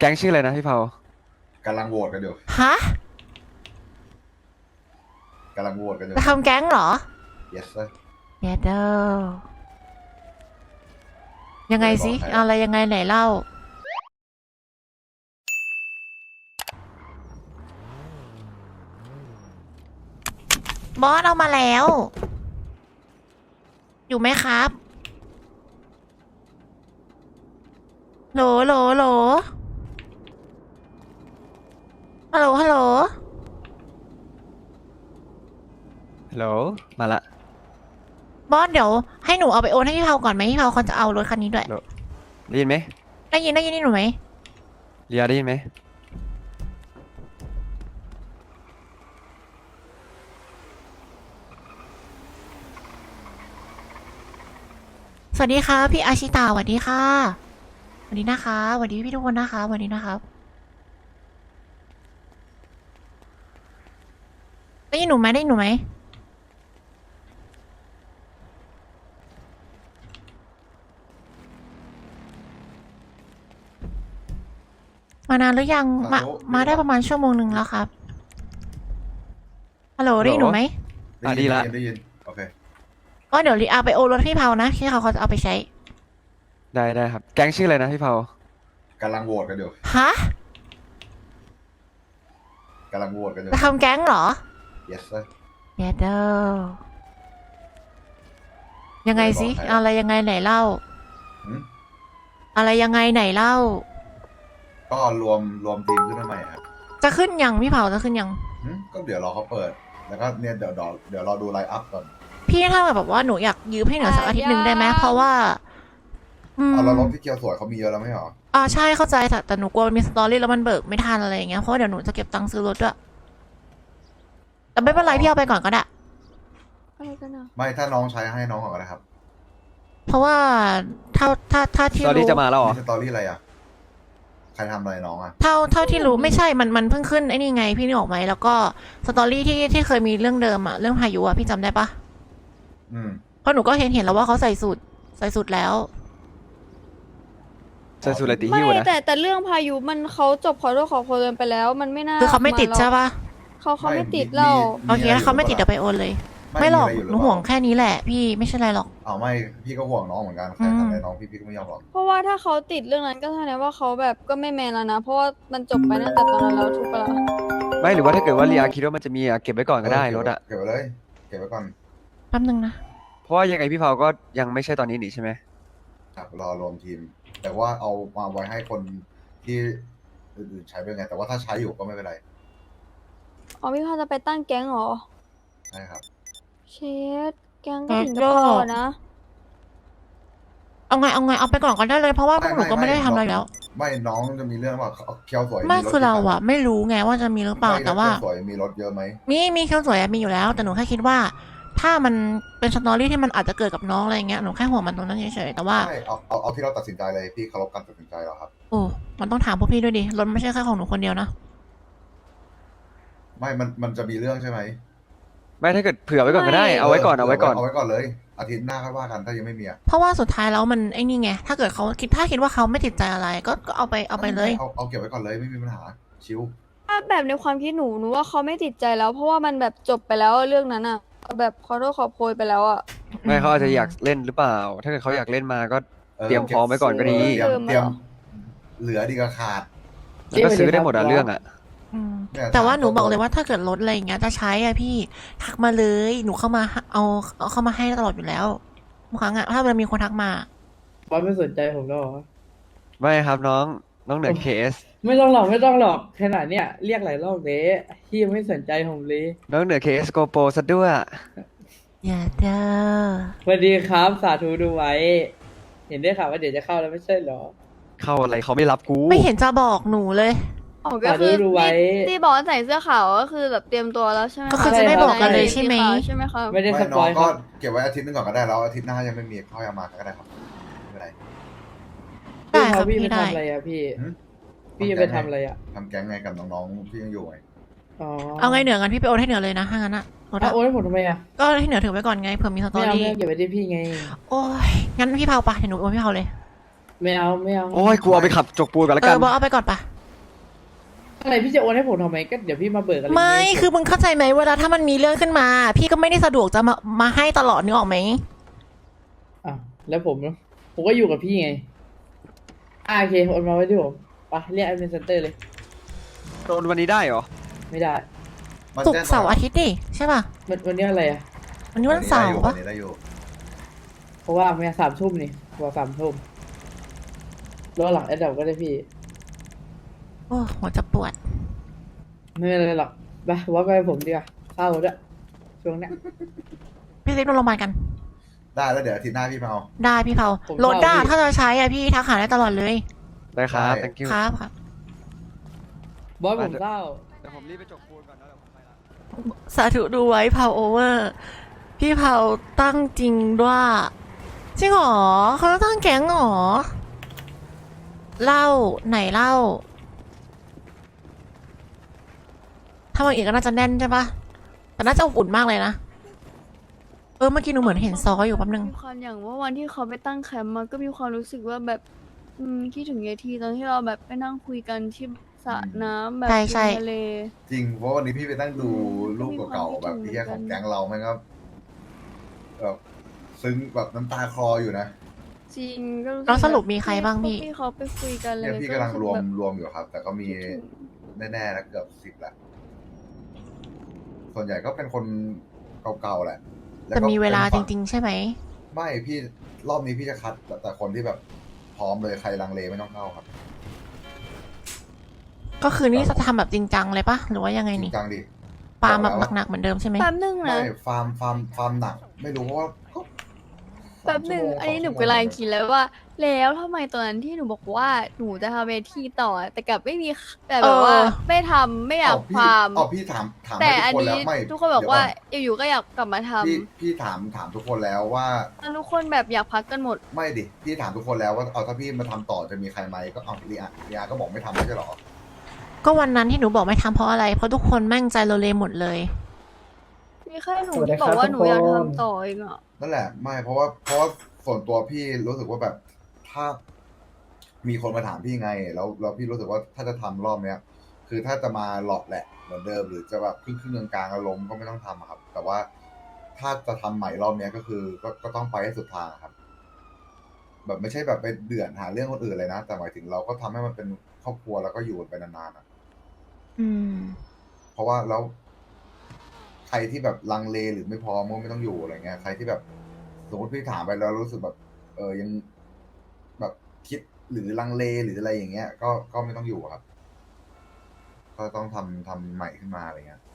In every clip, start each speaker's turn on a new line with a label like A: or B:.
A: แก๊งชื่ออะไรนะพี่เผาก
B: ำลังโหวตกันอยู่
C: ฮะ
B: กำลังโหวตกันอยู่
C: จะทำแก๊งเหรอ
B: yes sir
C: เยเดอยังไงสิอะไรยังไงไหนเล่าบอสเอามาแล้ว อยู่ไหมครับโหลโหลโหลฮัลโหลฮัลโหล
A: ฮัลโหลมาละ
C: บอสเดี๋ยวให้หนูเอาไปโอนให้พี่เผาก่อนไหมพี่เผาคนจะเอารถคันนี้ด้วย
A: ได้ยินไหม
C: ได้ยินนี่หนูไหม
A: เรียได้ยินไหม
C: สวัสดีค่ะพี่อาชิตาสวัสดีค่ะสวัสดีนะคะสวัสดีพี่ทุกคนนะคะสวัสดีนะครับได้ยินหนูไหมได้ยินหนูไหมมานานหรือยังมาได้ประมาณชั่วโมงหนึ่งแล้วครับฮัลโหลได้ยินหนูไหม
A: ดีละ
B: ได้ยินโอเค
C: ก็เดี๋ยวรีอาไปโอนรถพี่เผานะที่เขาจะเอาไปใช้
A: ได้ครับแก๊งชื่ออะไรนะพี่เผาก
B: ำลังโหวตกันอยู่
C: ฮะ
B: กำลังโหวตกันอยู่
C: จะทำแก๊งเหรอ
B: yes sir
C: เยเดอยังไงสิอะไรยังไงไหนเล่า
B: หืม
C: อะไรยังไงไหนเล่า
B: ก็รวมทีมขึ้นมาใหม่ครับ
C: จะขึ้นยังพี่เผาจะขึ้นยัง
B: ก็เดี๋ยวรอเขาเปิด แล้วก็เนี่ยเดี๋ยวรอดูไลน์อัพก่อน
C: พี่ถ้าแบบว่าหนูอยากยืมให้เหนือสักอาทิตย์หนึ่งได้ไหมเพราะว่า
B: เอาแล้วรถที่เกียวสวยเขามีเยอะแล้วไม่หรอ
C: ใช่เข้าใจแต่หนูกลัวมันมีสตอรี่แล้วมันเบิกไม่ทันอะไรอย่างเงี้ยเพราะว่าเดี๋ยวหนูจะเก็บตังค์ซื้อรถด้วยแต่ไม่เป็นไรพี่เอาไปก่อนก็ได้
D: อะไรกันอ่ะ
B: ไม่ถ้าน้องใช้ให้น้องก่อนก็ได้ครับ
C: เพราะว่าถ้าที่
A: ตอนนี้
C: รู้
A: จะมาแล้วเหรอ
B: มีสตอรี่อะไรอ่ะใครทำอะไรน้องอ่ะ
C: เท่าที่รู้ไม่ใช่มันเพิ่งขึ้นไอ้นี่ไงพี่นึกออกไหมแล้วก็สตอรี่ที่เคยมีเรื่องเดิมอะเรื่องพายุอะพี่จำได้ปะ เพราะหนูก็เห็นแล้วว่าเขาใส่สูตรแล้ว
A: ใส่สุดอะไรตี
D: ไม่
A: หิ้วนะ
D: แต่เรื่องพายุมันเขาจบขอโทษขอโพยกันไปแล้ว มันไม่น่า
C: คือเขาไม่ติดใช่ปะ
D: เขาไม่ติดเรา
C: โอเคถ้าเขาไม่ติดเดี๋ยวไปโอนเลย ไม่หรอกหนูห่วงแค่นี้แหละพี่ไม่ใช่อะไรหรอก
B: เอาไม่พี่ก็ห่วงน้องเหมือนกันใครทำอะไรน้องพี่ก็ไม่ยอมหรอก
D: เพราะว่าถ้าเขาติดเรื่องนั้นก็แสดงว่าเขาแบบก็ไม่แมนแล้วนะ เพราะว่ามันจบไปตั้งแต่ตอนนั้นแล้วถูกปะล่ะ
A: ไม่หรือว่าถ้าเกิดว่าเรียคิดว่ามันจะมีเก็บไว้ก่อนก็ได้รถอะ
B: เก็บไว้เลยเก็บไว้ก่อน
C: แป๊บนึงนะ
A: เพราะว่ายังไงพี่เผาก็ยังไม่ใช่ตอนนี้นี่ใช่ไหม
B: ครับรอรวมทีม แต่ว่าเอามาไว้ให้คนที่อื่นๆใช้เป็นไง แต่ว่าถ้าใช้อยู่ก็ไม่เป็นไร
D: อ๋อพี่พาจะไปตั้งแก๊งเหรอ
B: ใช่ครับ
D: เชดแก๊งก็ถึงจะพอนะ
C: เอาไงเอาไปก่อนก็ได้เลยเพราะว่าพวกหนูก็ไม่ได้ทำอะไรแล้ว
B: ไม่น้องจะมีเรื่องว่าเคียวสวย
C: ไม่
B: ถ
C: คือเรา
B: กี่คั
C: อะไม่รู้ไงว่าจะมีหรือเปล่า
B: ไม่
C: แต่ว่า
B: เคียวสวยมีรถเยอะไหม
C: มีเครื่องสวยอะมีอยู่แล้ว แต่หนูแค่คิดว่า ถ้ามันเป็นสตอรี่ที่มันอาจจะเกิดกับน้องอะไรเงี้ยหนูแค่ห่วงมันตรงนั้นเฉยๆแต่ว่า
B: ใช่เอาที่เราตัดสินใจเลยพี่เคารพการตัดสินใจเราครับ
C: โอ้มันต้องถามพวกพี่ด้วยดิรถไม่ใช่แค่ของหนูคนเดียวนะ
B: ไม่มันจะมีเรื่องใช่ไหม
A: ไม่ถ้าเกิดเผื่อไว้ก่อนก็ได้เอาไว้ก่อน
B: เอาไว้ก่อนเลย อาทิตย์หน้าค่อยว่ากันถ้ายังไม่มีอะ
C: เพราะว่าสุดท้ายแล้วมันไอ้นี่ไงถ้าเกิดเขาคิดว่าเขาไม่ติดใจอะไรก็เอาไปเลย
B: เอาเก็บไว้ก่อนเลยไม่มีปัญหาชิว
D: ถ้าแบบในความคิดหนูว่าเขาไม่ติดใจแล้ว เพราะว่ามันแบบจบไปแล้วเรื่องนั้นอ่ะแบบขอโทษขอโพยไปแล้วอ่ะ
A: ไม่เขาอาจจะอยากเล่นหรือเปล่า ถ้าเกิดเขาอยากเล่นมาก็เตรียมพร้อมไว้ก่อนก็ดี
B: เตรียมเหลือดีกว่าขาด
A: แล้วก็ซื้อได้หมดอะเรื่องอะ
C: อืม
B: เนี่ย
C: แต่ว่าหนูบอกเลยว่าถ้าเกิดรถอะไรอย่างเงี้ยจะใช้อะพี่ทักมาเลยหนูเข้ามาเอาเข้ามาให้ตลอดอยู่แล้วบางครั้งอะถ้ามันมีคนทักมา
E: บอสไม่สนใจผมแล้วเหรอ
A: ไม่ครับน้องเหนือเคส
E: ไม่ต้องหรอกขนาดเนี้ยเรียกหลายรอบเลยที่ยังไม่สนใจผมเลย
A: น้องเหนือเคสโกโปซะด้วย
C: อย่าเด้อ
E: สวัสดีครับสาธุดูไว้ เห็นได้ข่าวว่าเดี๋ยวจะเข้าแล้วไม่ใช่เหรอ
A: เข้าอะไรเขาไม่รับกู
C: ไม่เห็นจะบอกหนูเลย
D: อ๋อก็คือ
E: ดูไว้
D: ที่บอกว่าใส่เสื้อขาวก็คือแบบเตรียมตัวแล้วใช่ไหม
C: ก็คือจะไม่บอกกันเลยใช่ไหม
D: ใช่ไหมครับ
E: ไม่ได้ส
B: ไม่
E: ป
B: น้อ
E: อง ยค
B: ก็
E: รับ
B: เก็บไว้อาทิตย์นึงก่อนก็ได้แล้วอาทิตย์หน้ายังไม่มีค่อยเอามาก็ได้ครับไม่เป็นไร
C: ได้ครับ
E: พี่
C: พี่
E: ไป
C: ได้
E: ทำอะไรอะพี่
B: หืม
E: พี่จะไปทำอะไรอะ
B: ทำแก๊งไงกับน้องๆที่ยังอยู่ไง
E: อ๋อ
C: เอาไงเหนือกันพี่ไปโอนให้เหนือเลยนะถ้างั้นอะรถ
E: เอา
C: อะ
E: โอนให้ผมทำไมอะ
C: ก็ให้เหนือถือไว้ก่อนไงเผื่อมีสตอ
E: ไม่เอา
C: รี่
E: เก็บไว้ที่พี่ไง
C: โอ้ยงั้นพี่เผาปะเดี๋ยวหนูโอนพี่เผาเลย
E: ไม่เอา
A: โอ้ยกูเอาไปขับจกปูนก่อนแล้ว
C: เอ
A: กั
C: อน บอกเอาไปก่อนปะ
E: อะไรพี่จะโอนให้ผมทำไมก็เดี๋ยวพี่มาเบิกอะไร
C: ไม่
E: เงี้ย
C: คือมึงเข้าใจไหมเวลาถ้ามันมีเรื่องขึ้นมา พี่ก็ไม่ได้สะดวกจะมาให้ตลอดนึกออกไหม
E: อ่ะแล้วผมก็อยู่กับพี่ไงโอเคโอนมาไว้ที่ผมไปเรียกแอดมินเซ็นเตอร์เลย
A: โดนวันนี้ได้เหรอ
E: ไม่ได้
B: มัน
C: ศุก
B: แจ้ง
C: ร์เสาร์อาทิตย์ดิใช่ป่ะ
E: วันนี้อะไรอ่ะ
C: วันนี้วันเสาร์
B: วั
C: ปะ
B: นนี้ได้อยู่
E: เพราะว่าเมีย3 ทุ่มนี่กว่า3 ทุ่มรอหลังแอดดับก็ได้พี่
C: โอ้หัวจะปวด
E: ไม่เป็นไรหรอกไปว่าไปผมดีกว่าเข้าด้วยช่วงเนี้ย
C: พี่ซิปนอนโรงพยาบาลกัน
B: ได้แล้วเดี๋ยวอาทิตย์หน้าพี่มาเอา
C: ได้พี่เผา
E: ผม
C: รถด้า
E: เผาพี่
C: ถ้าจะใช้อะพี่ทักหาได้ตลอดเลย
A: ได้ครับ
B: ได้
A: thank you
C: ครับครับ
E: บอสผมเข้า
A: เดี๋ยวผมรีบไปจบปูนก่อนนะเดี๋ยวผมไปละ
C: สาธุดูไว้เผาโอเวอร์ พี่เผาตั้งจริงด้วยจริงเหรอเขาตั้งแก๊งเหรอเล่าไหนเล่า ถ้ามาอีกก็น่าจะแน่นใช่ปะแต่น่าจะอบอุ่นมากเลยนะเมื่อกี้หนูเหมือนเห็นซออยู่แป๊บนึง
D: มีความอย่างว่าวันที่เขาไปตั้งแคมป์มันก็มีความรู้สึกว่าแบบคิดถึงยายทีตอนที่เราแบบไปนั่งคุยกันที่สระน้ำแบบ
C: ใช่ใช่
D: ริมทะเล
B: จริงเพราะวันนี้พี่ไปตั้งดูรูปเก่าๆ
D: ก็
B: แบบ
D: มี
B: ที่
D: ความคิดถึง
B: ของแก๊งเราแม่งก็แบบซึ้งแบบน้ำตาคลออยู่นะ
D: จริงก็รู้สึก
C: แล้วสรุปมีใครบ้างพี่
D: พี่เขาไปคุยกันเลย
B: เนี่ยพี่กำลังรวม
D: แบบ
B: อยู่ครับ แต่ก็มี
D: คิดถึง
B: แน่ๆนะเกือบ10แหละส่วนใหญ่ก็เป็นคนเก่าๆแหละล้
C: แต่
B: ก็
C: มีเวลา
B: ป็น
C: จ
B: ฝั่
C: ริง ๆ ใช่ไหม
B: ไม่พี่รอบนี้พี่จะคัดแต่คนที่แบบพร้อมเลยใครลังเลไม่ต้องเข้าครับ
C: ก็คือนี่จะทำแบบจริงจังเลยปะหรือว่ายังไง
B: จริ
C: นี่
B: งจังดิ
C: ปาล์มแบบ
B: บอกแล้ว
C: หนักๆเหมือนเดิมใช่ไหม
D: แป๊บนึง
B: ไม่
D: นะ
B: ฟาร์มหนัก ไม่รู้เพราะว่าก็
D: แป๊บนึง
B: 3
D: อันนี้หนู
B: 2
D: กำลังคิดแล้วว่า แล้วทำไมตอนนั้นที่หนูบอกว่าหนูจะทำเวทีต่อ แต่กลับไม่มีแบบว่าไม่ทไม่อยากฟาร์ม
B: พี่ถาม
D: แต่
B: ให้
D: อัน
B: ทุกคน
D: นี้
B: แล้วไม่
D: ทุกคนบอกว่า
B: เดี๋ย
D: อยู่ๆก็อยากกลับมาท
B: พี่ถามทุกคนแล้วว่า
D: ำแล้วทุกคนแบบอยากพักกันหมด
B: ไม่ดิพี่ถามทุกคนแล้วว่าเอาถ้าพี่มาทำต่อจะมีใครไหมก็เอาเรียก็บอกไม่ทำไม่ใช่หรอ
C: ก็วันนั้นที่หนูบอกไม่ทำเพราะอะไร เพราะทุกคนแม่งใจโลเลหมดเลย
D: มีแค่หนู
E: สวัสดี
D: ที่
E: ครับ
D: บอกว่า
E: ทุก
D: หนูอยาก
E: คน
D: ทำต่อเองอ่ะ
B: นั่นแหละไม่เพราะว่าส่วนตัวพี่รู้สึกว่าแบบถ้ามีคนมาถามพี่ไงแล้วพี่รู้สึกว่าถ้าจะทำรอบเนี้ย คือถ้าจะมาหลอกแหละเหมือนเดิมหรือจะแบบครึ่งกลางๆอารมณ์ก็ไม่ต้องทำอะครับ แต่ว่าถ้าจะทำใหม่รอบเนี้ยก็คือก็ต้องไปให้สุดทางอะครับ แบบไม่ใช่แบบไปเดือดหาเรื่องคนอื่นเลยนะ แต่หมายถึงเราก็ทำให้มันเป็นครอบครัวแล้วก็อยู่กันไปนานๆอะ
C: อืม
B: เพราะว่าแล้วใครที่แบบลังเลหรือไม่พร้อมก็ไม่ต้องอยู่อะไรเงี้ยใครที่แบบสมมติพี่ถามไปแล้วรู้สึกแบบ ยังแบบคิดหรือลังเลหรืออะไรอย่างเงี้ย ก็ไม่ต้องอยู่ครับ ก็ต้องทำใหม่ขึ้นมาอะไรเงี้ย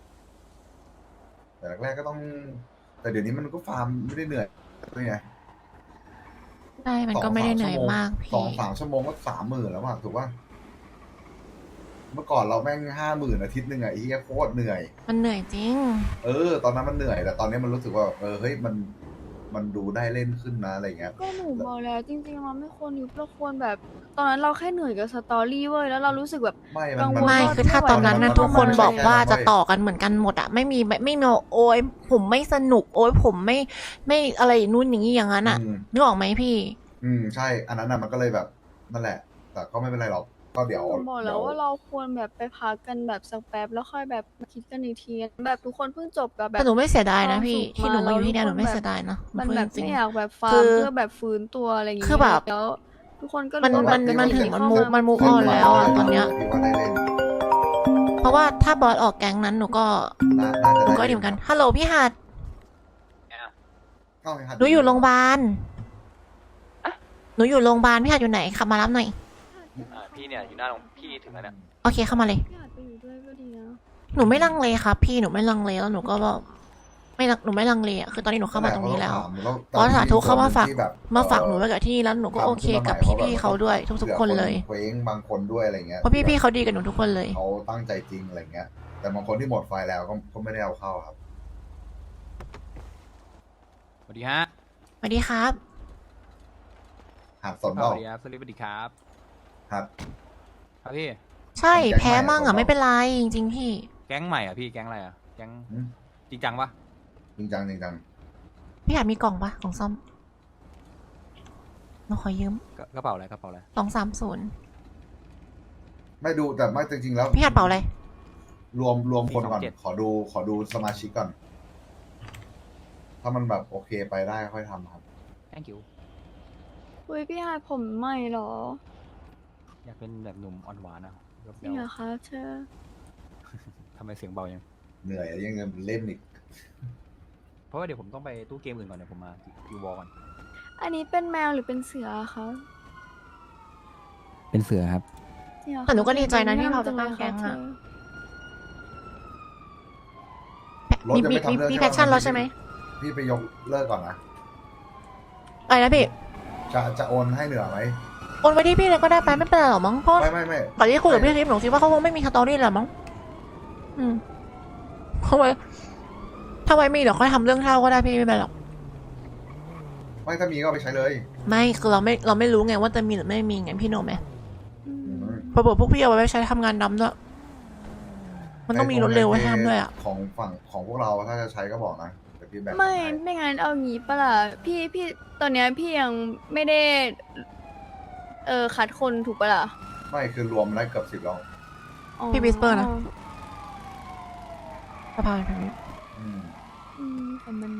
B: แต่แรกๆก็ต้อง แต่เดี๋ยวนี้มันก็ฟาร์มไม่ได้เหนื่อยด้วยไง
C: ใช่ มันก็ไม่ได้เหนื่อยมาก
B: สอง
C: พี่
B: สามชั่วโมงก็30,000แล้วอะถูกป่ะเมื่อก่อนเราแม่ง50,000อาทิตย์หนึ่งอะไอ้เหี้ยโคตรเหนื่อย
C: มันเหนื่อยจริง
B: ตอนนั้นมันเหนื่อยแต่ตอนนี้มันรู้สึกว่าเฮ้ยมันดูได้เล่นขึ้นนะอะไรเงี้ย
D: ก็หนูบอกแล้วจริงๆเราไม่ควรยุบเราควรแบบ ตอนนั้นเราแค่เหนื่อยกับสตอรี่เว้ยแล้วเรารู้สึกแบบ
B: ไม่
D: กังวล
C: ไม่
D: ว่า
C: คือถ้าตอนนั้นนะ
B: มัน
C: ทุกคน
B: มัน
C: บอกว่า
B: ไม่ใช่
C: จะต่อกันเหมือนกันหมดอะไม่มีโอ้ยผมไม่สนุก โอ้ยผมไม่อะไรนู่นอย่างนี้อย่างนั้นอะนึกออกไหมพี่
B: ใช่อันนั้นน่ะมันก็เลยแบบนั่นแหละ แต่ก็ไม่เป็นไรหรอกก็เดี๋ยว
D: หนูบอกแล้วว่าเราควรแบบไปพักกันแบบสักแป๊บแล้วค่อยแบบมาคิดกันอีกทีแบบทุกคนเพิ่งจบกับแบ
C: แต่
D: บ
C: หนูไม่เสียดายนะพี่
D: ความสุข
C: ที่หนูมาอยู่ที่เนี่ย
D: มา
C: ห
D: แล้ว
C: นูไม่
D: ทุกคน
C: เสียดายนะ
D: มัน
C: พูด
D: แบบ
C: จริง
D: ไม่อยากแบบฟา
C: คื
D: ร์ม
C: อ
D: เพื่อแบบฟื้นตัวอะไรอย่างเงี้ย
C: คือแบบ
D: แล้วทุกคนก็
C: มัน
D: รู้ว่า
C: มันถึง
D: เข้า
C: มันมูฟแล้วอะตอนเนี้ย
B: พี่ว่าได้เล่น
C: เพราะว่าถ้าบอสออกแก๊งนั้นหนูก็
B: น่าจะ
C: หนู
B: ได้
C: ก็ดีเหมือนกันฮัลโหลพี่หัด
B: เข้าให้หัด
C: หนูอยู่โรงพยาบาลหนูอยู่โรงพยาบาลพี่หัดอยู่ไหนขับมารับหน่อย
F: พี่เนี่ยอยู่หน้าโรงพี่ถึงแล้วเนี่ย
C: โอเคเข้ามาเลย
D: พี่อาจไปอยู่ด้วยก็ดีนะ
C: หนูไม่ลังเลครับ พี่หนูไม่ลังเลแล้วหนูก็แบบหนูไม่ลังเลอะคือตอนนี้หนูเข้ามาตรงนี้แล้วเพราะสาธุเข้ามาฝาก
B: ที่แบบ
C: หนูไว้กับที่นี่แล้วหนูก็โอเคกับพี่ๆเขาด้วยทุกๆคนเลย
B: เคว้งบางคนด้วยอะไรเงี้ย
C: เพราะพี่ๆเขาดีกับหนูทุกคนเลย
B: เขาตั้งใจจริงอะไรเงี้ย แต่บางคนที่หมดไฟแล้วก็ไม่ได้เอาเข้าครับ
F: สวัสดีฮะ
C: สวัสดีครับ
B: หัดสน
F: ส
B: เปล่า
F: วัสดีครับสวัสดีครับ
B: หัด
F: ครับพี่
C: ใช่แพ้มั่งอ่ะไม่เป็นไรจริงๆพี่
F: แก๊งใหม่อ่ะพี่ แก๊งอะไรอ่ะ แก๊ง
B: อืม
F: จริงจังปะ
B: จริงจัง
C: พี่หัดมีกล่องปะกล่องซ่อมหนูขอยืม
F: กระเป๋าอะไรกระเป๋าอะไร
C: 230
B: ไม่ดูแต่ไม่จริงๆแล้ว
C: พี่หัดเป่าอะไร
B: รวมคนก่อน
F: 427
B: ขอดูสมาชิกก่อน ถ้ามันแบบโอเคไปได้ค่อยทำครับ
F: thank you
D: อุ้ยพี่ฮาผมใหม่เหรอ
F: อยากเป็นแบบหนุ่มอ่อนหวานอะยก
D: จ
F: เย
D: ริงเหรอคะเธอ
F: ทำไมเสียงเบายัง
B: เหนื่อยยังจะเล่นอีก
F: เพราะว่าเดี๋ยวผมต้องไปตู้เกมอื่นก่อนเดี๋ยวผมมาคิวบอลก่อน
D: อันนี้เป็นแมวหรือเป็นเสือคะ
F: เป็นเสือครับ
D: จริงเหรอคะ
C: แต่หนูก็ดีใจนะที่เราจะตั้งแก๊งอะ
B: รถ
C: มี
B: ยัง
C: มี
B: ไม่ทำเรื่อง
C: มี
B: ใช่
C: แพ
B: ปะ
C: ชชั่นแล้วใช่ไหม
B: พี่ไปยกเลิกก่อนนะ
C: อะไรนะพี่
B: จะโอนให้เหนือไหม
C: โอนไปที่พี่เลยก็ได้ไปไม่เป็นไรหรอกมั้งเพราะ
B: ไม่
C: ก่อนที่คุยกับพี่คลิปหนูคิดว่าเขาคงไม่มีสตอรี่แหละมั้งเขาไว้ถ้าไว้มีเดี๋ยวค่อยทำเรื่องเท่าก็ได้พี่ไม่เป็นไรหรอก
B: ไม่ถ้ามีก็เอาไปใช้เลย
C: ไม่คือเราไม่รู้ไงว่าจะมีหรือไม่มีไงพี่โนไหม
D: อืม
C: พอบอกพวกพี่เอาไว้ใช้ทำงานดำด้วยมันต้องมีรถเร็วไว้ห้ามด้วยอ่ะ
B: ของฝั่งของพวกเราถ้าจะใช้ก็บอกนะเดี๋ยวพี่แบ่ง
D: ไม่
B: ให้
D: ไม่งั้นเอางี้ปะล่ะพี่ตอนเนี้ยพี่ยังไม่ได้คัดคนถูกปะล่ะ
B: ไม่คือรวมได้เกือบ10แล้ว
D: อ๋อ
C: พี่วิสเปอร์นะ สะพานทางนี้
B: อืม
D: แต่มัน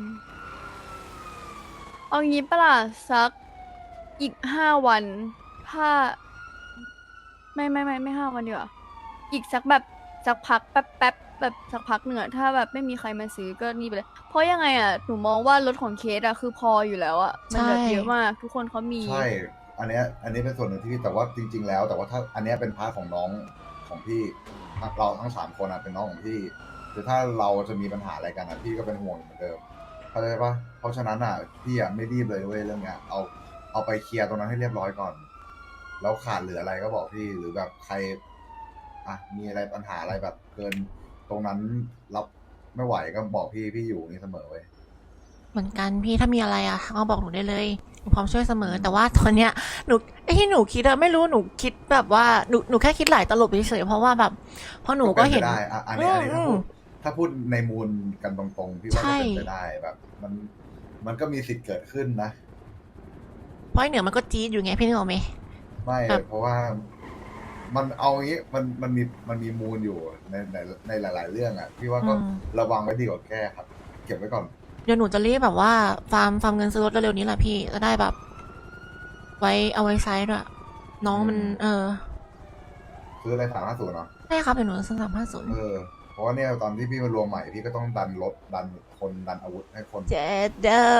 D: เอางี้ปะล่ะสักอีก5 วันถ้าไม่5 วันดีกว่าอีกสักแบบสักพักแป๊บแบบสักพักหนึ่งอะถ้าแบบไม่มีใครมาซื้อก็นี่ไปเลย เพราะยังไงอะหนูมองว่ารถของเคสอะคือพออยู่แล้วอะมันแบบเยอะมากทุกคนเขามี
B: ใช่ อันเนี้ยเป็นส่วนหนึ่งที่แต่ว่าจริง ๆ แล้ว แต่ว่าถ้าอันเนี้ยเป็นพาร์ทของน้องของพี่เราทั้ง3 คนอะเป็นน้องของพี่คือถ้าเราจะมีปัญหาอะไรกันอะพี่ก็เป็นห่วงเหมือนเดิมเข้าใจปะเพราะฉะนั้นอะพี่อะไม่รีบเลยเว้ยเรื่องเนี้ยเอาไปเคลียร์ตรงนั้นให้เรียบร้อยก่อน แล้วขาดเหลืออะไรก็บอกพี่หรือแบบใครอ่ะมีอะไรปัญหาอะไรแบบเกินตรงนั้นรับไม่ไหวก็บอกพี่อยู่นี่เสมอเว้ย
C: เหมือนกันพี่ถ้ามีอะไรอ่ะเอาบอกหนูได้เลยหนูพร้อมช่วยเสมอ แต่ว่าตอนเนี้ยหนูไอ้ที่หนูคิดอะไม่รู้หนูคิดแบบว่าหนูแค่คิดหลายตลบเฉยๆเพราะว่าแบบเพราะหนูก็เห็น
B: ป็ไปได้อ่ะอันนี้
C: อืม
B: ถ้าพูดในมูลกันตรงๆพี่ว่า
C: ใช่
B: จะเป็นไปได้แบบ มันก็มีสิทธิ์เกิดขึ้นนะ
C: เพราะไอ้เหนือมันก็จี๊ดอยู่ไงพี่นึกออกไหม
B: ไม่
C: ครับ
B: เพราะว่ามันเอางี้มันมีมูลอยู่ในหลาย ๆ เรื่องอ่ะพี่ว่าก็ระวังไว้ดีกว่าแก้ครับ เก็บไว้ก่อน
C: เดี๋ยวหนูจะรีบแบบว่าฟาร์มเงินซื้อรถเร็วๆนี้แหละพี่จะได้แบบ ไว้เอาไว้ใช้ด้วยน้องมัน
B: ซื้ออะไร350เนาะ
C: ใช่ครับเดี๋ยวหนูซื้อ350
B: เพราะว่าเนี่ยตอนที่พี่มารวมใหม่พี่ก็ต้องดันรถดันคนดันอาวุธให้คน
C: เจ็ดเด้อ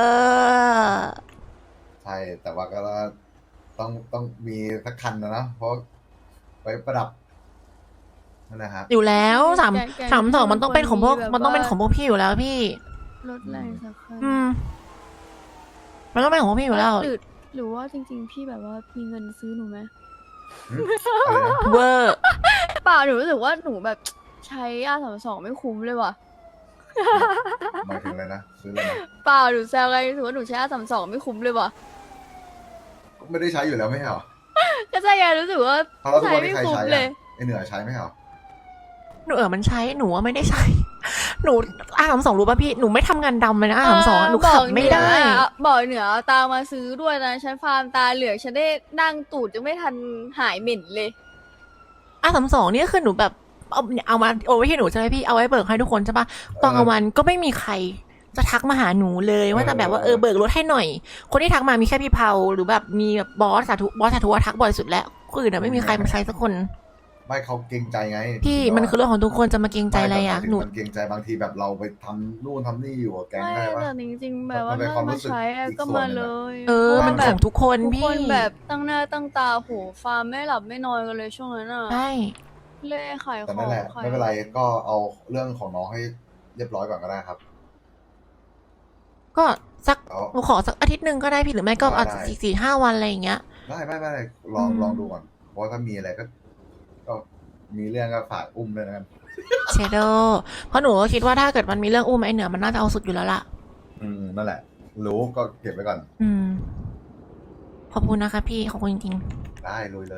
B: ใช่ แต่ว่าก็ต้องมีสักคันนะเพราะไว้ประดับนั่นแหละครับ
C: อยู่แล้ว332มันต้องเป็นของพวก
D: แบบว่ามั
C: มันต้องเป็นของพวกพี่อยู่แล้วพี่
D: รถแรงสักคัน
C: มันต้องเป็นของพวกพี่อยู่แล้ว
D: หรือว่าจริงๆ พี่แบบว่ามีเงินซื้อหนูไหม
B: อะไรนะ
C: เวอร์
D: เปล่าหนูรู้สึกว่าหนูแบบใช้ R32ไม่คุ้มเลยว่ะ
B: หมายถึงอะไรนะซื้ออะไรนะ
D: เปล่าหนูแซวไงรู้สึกว่าหนูใช้ R32ไม่คุ้มเลยว่ะ
B: ไม่ได้ใช้อยู่แล้วไม่ใช่เหรอ
D: ก็ใช่ไงรู้สึกว่า
B: เอาแล้วทุก
D: ใช้
B: วัน
D: ไม่
B: นี้ใคร
D: คุ้ม
B: ใช้
D: เล
B: อะ
D: ย
B: ไอเหนือใช้ไหมเหรอ
C: หนูมันใช้หนูว่าไม่ได้ใช้ หนูR32รู้ป่ะพี่หนูไม่ทำงานดำเลยนะR32หนูขับไม่ได้
D: บอกเหนือเอาตามมาซื้อด้วยนะฉันฟาร์มตาเหลือกฉันได้นั่งตูดยังไม่ทันหายเหม็นเลย
C: R32เนี่ยคือหนูแบบเอามาโอนไว้ที่หนูใช่ไหมพี่เอาไว้เบิกให้ทุกคนใช่ปะตอนกลางวันก็ไม่มีใครจะทักมาหาหนูเลยว่าแต่แบบว่าเบิกรถให้หน่อย คนที่ทักมามีแค่พี่เผาหรือแบบมีแบบบอสสาธุทักบ่อยสุดแล้วคนอื่นไม่มีใครมาใช้สักคน
B: ไม่เขาเกรงใจไง
C: พี่มันคือเรื่องของทุกคนจะมาเกรงใจอะไรอ่ะ
B: ไม่แต่
C: หนู
B: มันเกรงใจบางทีแบบเราไปทำนู่นทำนี่อยู่กับแก๊ง
D: ไม่
B: ได้ปะ
D: แต่จริงๆแบบว่า
B: มันเป็น
D: ถ้า
B: ความรู้
D: มา
B: สึก
D: ใช้อะ
B: อีก
D: ก็
B: ส่วน
D: มา
B: หนึ่
D: เล
B: งอะ
D: ย
C: มันของทุกคน
D: ทุก
C: พี่
D: คนแบบตั้งหน้าตั้งตาโหฟาร์มไม่หลับไม่นอนกันเลยช่วงนั้นอ่ะ
C: ใช่
D: เล่ขายข
B: แต่
D: อง
B: นั่นแหละ
D: ขาย
B: ไม่เป็นไรก็เอาเรื่องของน้องให้เรียบร้อยก่อนก็ได้ครับ
C: ก็สัก
B: เอา
C: หนูขอสักอาทิตย์หนึ่งก็ได้พี่หรือไม่ก็อาจจะ
B: ได้
C: 4-5 วันอะไรอย่างเงี้ย
B: ได้ไม่ลองดูก่อนเพราะถ้ามีอะไรก็มีเรื่องก็ฝากอุ้มเลยนะครับ
C: เชโดเพราะหนูก็คิดว่าถ้าเกิดมันมีเรื่องอุ้มไอ้เหนือมันน่าจะเอาสุดอยู่แล้วล่ะ
B: นั่นแหละ รู้ก็เก็บไว้ก่อน
C: ขอบคุณนะคะพี่ขอบคุณจริง
B: ได้ลุยเลย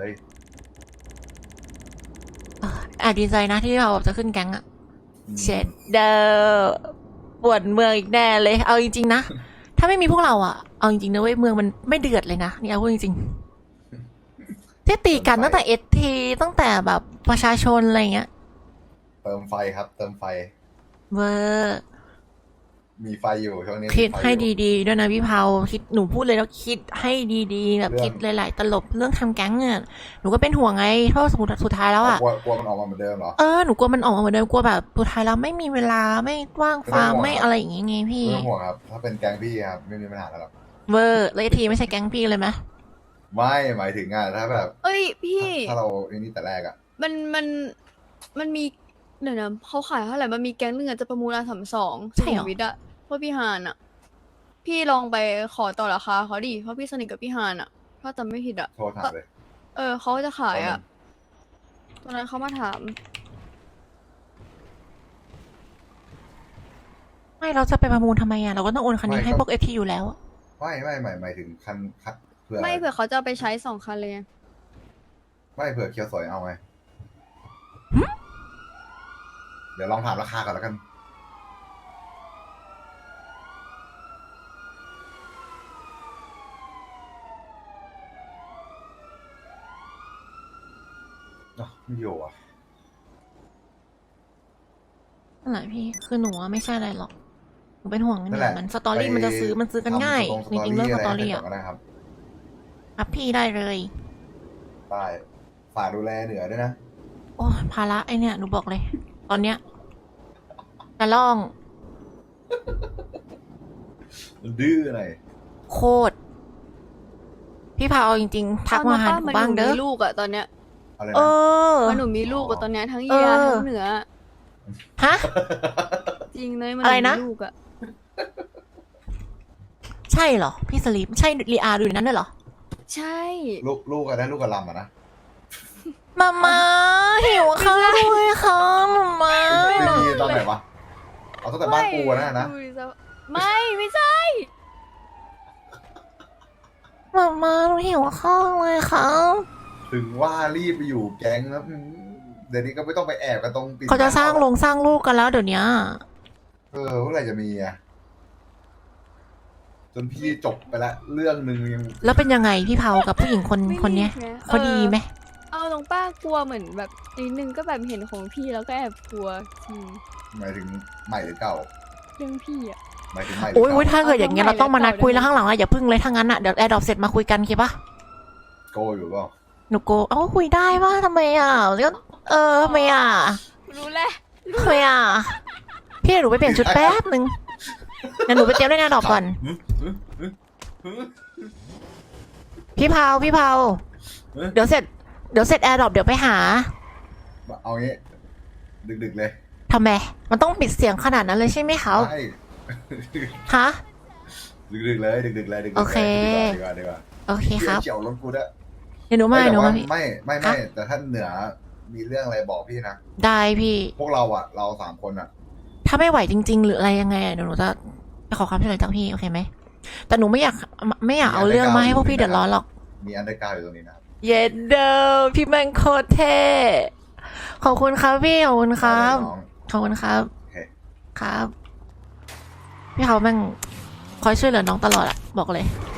C: ๆแอบดีใจนะที่เราจะขึ้นแก๊งอะ
B: อืม
C: เชโดปวดเมืองอีกแน่เลยเอาจริงๆนะ ถ้าไม่มีพวกเราอะเอาจริงๆนะเว้ยเมืองมันไม่เดือดเลยนะนี่เอาพูดจริงที่ตีกันตั้งแต่เอทีตั้งแต่แบบประชาชนอะไรเงี้ย
B: เติมไฟครับ เติมไฟ
C: เวอร์
B: มีไฟอยู่ช่วงนี้
C: คิด
B: มีไฟ
C: ให้
B: อยู่
C: ดีๆด้วยนะพี่เผาคิดหนูพูดเลยแล้วคิดให้ดีๆแบบ
B: เรื่อง
C: คิดหลายๆตลบเรื่องทำแก๊งเนี่ยหนูก็เป็นห่วงไงเพราะสุดท้ายแล้วอ่ะ
B: กลัวมันออกมาเหมือนเดิมเหรอ
C: หนูกลัวมันออกมาเหมือนเดิมกลัวแบบสุดท้ายแล้วไม่มีเวลาไม่ว่างฟาร์ม
B: ไม่
C: ไม่
B: ต้องห่วง
C: อะไรอย่างงี้ไงพี่
B: ไม่ต้องห่วงครับ ถ้าเป็นแก๊งพี่ครับไม่มีปัญหาแล้วครับ
C: เวอร์แล้วทีไม่ใช่แก๊งพี่เลยไหม
B: ไม่หมายถึงถ้าแบบ
D: เอ้ยพี่
B: ถ้าเราไอ้นี่แต่แรกอะ
D: มันมีเดี๋ยวนะเขาขายเท่าไหร่มันมีแก๊งหนึงอะจะประมูลR32
C: ใช่เหรอ
D: วิทย์อะพวกพี่ฮานอะพี่ลองไปขอต่อราคาเขาดิเพราะพี่สนิทกับพี่ฮานอะถ้าจำไม่ผิดอะ
B: โทรถามเลย
D: เขาจะขายอะตอนนั้นเขามาถาม
C: ไม่เราจะไปประมูลทำไมอ่ะเราก็ต้องโอนคันนี้ให้พวกเอทีอยู่แล้ว
B: ไม่หมายถึงคันเผื่อ
D: ไม่เผื่อเขาจะเอาไปใช้2 คันเลยไง
B: ไม่เผื่อเคียวสวยเอาไงเดี๋ยวลองถามราคาก่อนแล้วกัน ไม่อยู่อ่ะ
C: นั่นแหละพี่คือหนูอะไม่ใช่อะไรหรอกหนูเป็นห่วงนิด
B: นั่
C: นึ
B: นแหละ
C: งมันสตอรี่มันจะซื้อมันซื้อกันง่ายจริงๆเรื่องสตอรี่
B: ะ
C: อ่ะ
B: ก็ได้ครับ
C: ครับพี่ได้เลย
B: ได้ฝากดูแลเหนือด้วยนะ
C: โอ้ภาระไอเนี่ยหนูบอกเลย ตอนเนี้ยจะล่อง
B: ดื้อหน่อย
C: โคตรพี่พาเอาจริงๆทักมาหาหนู
D: มัน
C: บ้าง
D: หนู
C: เด้อ
D: มีลูกอะตอนเนี้ย
B: อะไร
C: เอ
B: นะ
C: อ
D: มันหนูมีลูกอะตอนเนี้ยทั้ง
C: เอ
D: เยีย
C: อ
D: ทั้งเหนือ
C: ฮะ
D: จริงเลยมัน
C: อะไรนะ
D: มีลูกอะ
C: ใช่เหรอ พี่สลีปใช่ลีอาดูในนั้นด้วยเหรอ
D: ใช่
B: ลูกอะได้ลูกกับลำอะนะ
C: มาหิวข้าวด้วยค่ะมา
B: ไม่มีตอนไหนวะเอาตั้งแต่บ้านกูอะนะ
D: ดูดิซะไม่ใช่
C: มาหนูหิวข้าวเลยค่ะ
B: ถึงว่ารีบไปอยู่แก๊งแล้วเดี๋ยวนี้ก็ไม่ต้องไปแอบกันตรงปิด
C: เขาจะสร้างลงสร้างลูกกันแล้วเดี๋ยวนี้
B: เมื่อไหร่จะมีอะจนพี่จบไปละเรื่องหนึ่งยัง
C: แล้วเป็นยังไงพี่เผากับผู้หญิงคนเนี้ย
D: ไม่รีบไง
C: เขาดีไหม
D: เอาตรงป้ากลัวเหมือนแบบนิดนึงก็แบบเห็นของพี่แล้วก็แอบกลัวจริง
B: หมายถึงใหม่หรือเก่า
D: เรื่องพี่อะ
B: หมายถึงใหม่หรื
C: โอ้ย
B: เก่า
C: ถ้าเกิดอย่างเงี้ยเราต้องมานัดคุยแล้วข้างหลังอะอย่าพึ่งเลยถ้างั้นอะเดี๋ยวแอร์ดรอปเสร็จมาคุยกันคิดปะ
B: โกอยู่เปล่า
C: หนูโกคุยได้ว่าทำไมอ่ะแล้วก็ทำไมอ่ะ
D: รู้แหละ
C: ทำไมอ่ะพี่เดี๋ยวหนูไปเปลี่ยนชุดแป๊บนึงเดี๋ยวหนูไปเตรียมเล่นแอร์ดรอปก่อนพี่เผาเดี๋ยวเสร็จแอร์ดรอปเดี๋ยวไปหา
B: เอางี้ดึกๆเลย
C: ทำไมมันต้องปิดเสียงขนาดนั้นเลยใช่ไหมเขา
B: ใช่
C: ฮะ
B: ดึกๆเลยดึกๆเลยดึกๆ
C: โอเค
B: ดีกว่า
C: โอเคครับ
B: เฉียวรถกูด้วย
C: เดี๋ยวหนูมา
B: แต่
C: หนู
B: ว่า
C: มาพี่
B: ไม่
C: ฮะ
B: แต่ถ้าเหนือมีเรื่องอะไรบอกพี่นะ
C: ได้พี่
B: พวกเราเรา3 คนอะ
C: ถ้าไม่ไหวจริง ๆ หรืออะไรยังไงเดี๋ยวหนูจะไปขอความช่วยเหลือจากพี่โอเคไหมแต่หนูไม่อยากเอาเรื่องมาให้พวกพี่เดือดร้อนหรอก
B: มีอันเดอร์กราวด์อยู่ตรงนี้นะครับ
C: เย็ดเดิมพี่แมงโคตรเท่ขอบคุณครับพี่ขอบคุณครับ
B: น้อง
C: ขอบคุณครับ
B: โอเค
C: ครับ พี่เขาแม่งคอยช่วยเหลือน้องตลอดอะบอกเลย